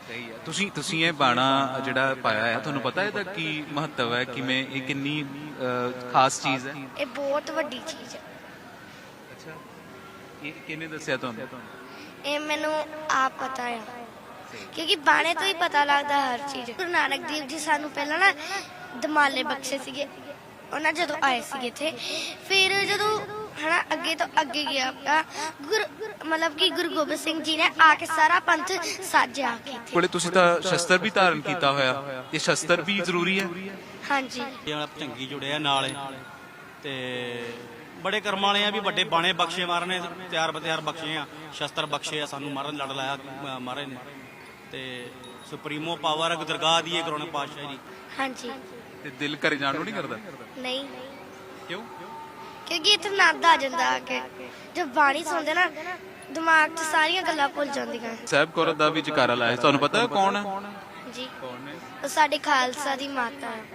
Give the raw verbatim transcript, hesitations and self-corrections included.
ਸਹੀ ਹੈ। ਤੁਸੀਂ ਤੁਸੀਂ ਇਹ ਬਾਣਾ ਜਿਹੜਾ ਪਾਇਆ ਹੈ, ਤੁਹਾਨੂੰ ਪਤਾ ਇਹਦਾ ਕੀ ਮਹੱਤਵ ਹੈ, ਕਿਵੇਂ ਇਹ ਕਿੰਨੀ ਅਹ, ਖਾਸ ਚੀਜ਼ ਹੈ? ਇਹ ਬਹੁਤ ਵੱਡੀ ਚੀਜ਼ ਹੈ। ਅੱਛਾ, ਇਹ ਕਿਹਨੇ ਦੱਸਿਆ ਤੁਹਾਨੂੰ? ਇਹ ਮੈਨੂੰ ਆਪ ਪਤਾ ਆ, ਕਿਉਂਕਿ ਬਾਣੇ ਤੋਂ ਹੀ ਪਤਾ ਲੱਗਦਾ ਹਰ ਚੀਜ਼। ਗੁਰੂ ਨਾਨਕ ਦੇਵ ਜੀ ਸਾਨੂੰ ਪਹਿਲਾਂ ਨਾ ਦਮਾਲੇ ਬਖਸ਼ੇ ਸੀਗੇ, ਉਹਨਾਂ ਜਦੋਂ ਆਏ ਸੀਗੇ ਇੱਥੇ। ਫਿਰ ਜਦੋਂ ਹਨਾ ਅੱਗੇ ਤੋਂ ਅੱਗੇ ਗਿਆ ਗੁਰ ਮਤਲਬ ਕਿ ਗੁਰੂ ਗੋਬਿੰਦ ਸਿੰਘ ਜੀ ਨੇ ਆ ਕੇ ਸਾਰਾ ਪੰਥ ਸਾਜਿਆ ਕੇ ਇੱਥੇ। ਕੋਲੇ ਤੁਸੀਂ ਤਾਂ ਸ਼ਸਤਰ ਵੀ ਧਾਰਨ ਕੀਤਾ ਹੋਇਆ, ਇਹ ਸ਼ਸਤਰ ਵੀ ਜ਼ਰੂਰੀ ਹੈ? ਹਾਂਜੀ, ਭਜੰਗੀ ਜੁੜਿਆ ਨਾਲ ਤੇ ਬੜੇ ਕਰਮ ਵਾਲੇ ਆ ਵੀ ਵੱਡੇ ਬਾਣੇ ਬਖਸ਼ੇ ਮਹਾਰਾਜ ਨੇ, ਤਿਆਰ ਬਤਿਆਰ ਬਖਸ਼ੇ ਆ, ਸ਼ਸਤਰ ਬਖਸ਼ੇ ਆ ਸਾਨੂੰ, ਮਹਾਰਾਜ ਲੜ ਲਾਇਆ ਮਹਾਰਾਜ ਨੇ। ਤੇ ਸੁਪਰੀਮੋ ਪਾਵਰ ਹੈ ਦਰਗਾਹ ਦੀ, ਗੁਰੂ ਨਾਨਕ ਪਾਤਸ਼ਾਹ ਜੀ। ਹਾਂਜੀ। ਤੇ ਦਿਲ ਘਰੇ ਜਾਣ ਨੂੰ ਨਹੀਂ ਕਰਦਾ? ਨਹੀਂ, ਕਿਉਂ? ਕਿਉਂਕਿ ਇੱਥੇ ਆਨੰਦ ਆ ਜਾਂਦਾ ਆ ਕੇ। ਜਦ ਬਾਣੀ ਸੁਣਦੇ ਨਾ ਦਿਮਾਗ 'ਚ ਸਾਰੀਆਂ ਗੱਲਾਂ ਭੁੱਲ ਜਾਂਦੀਆਂ। ਸਾਹਿਬ ਕੌਰ ਦਾ ਵੀ ਜਕਾਰਾ ਲਾਇਆ, ਤੁਹਾਨੂੰ ਪਤਾ ਕੌਣ ਹੈ? ਜੀ, ਕੌਣ ਹੈ? ਉਹ ਸਾਡੇ ਖਾਲਸਾ ਦੀ ਮਾਤਾ ਹੈ।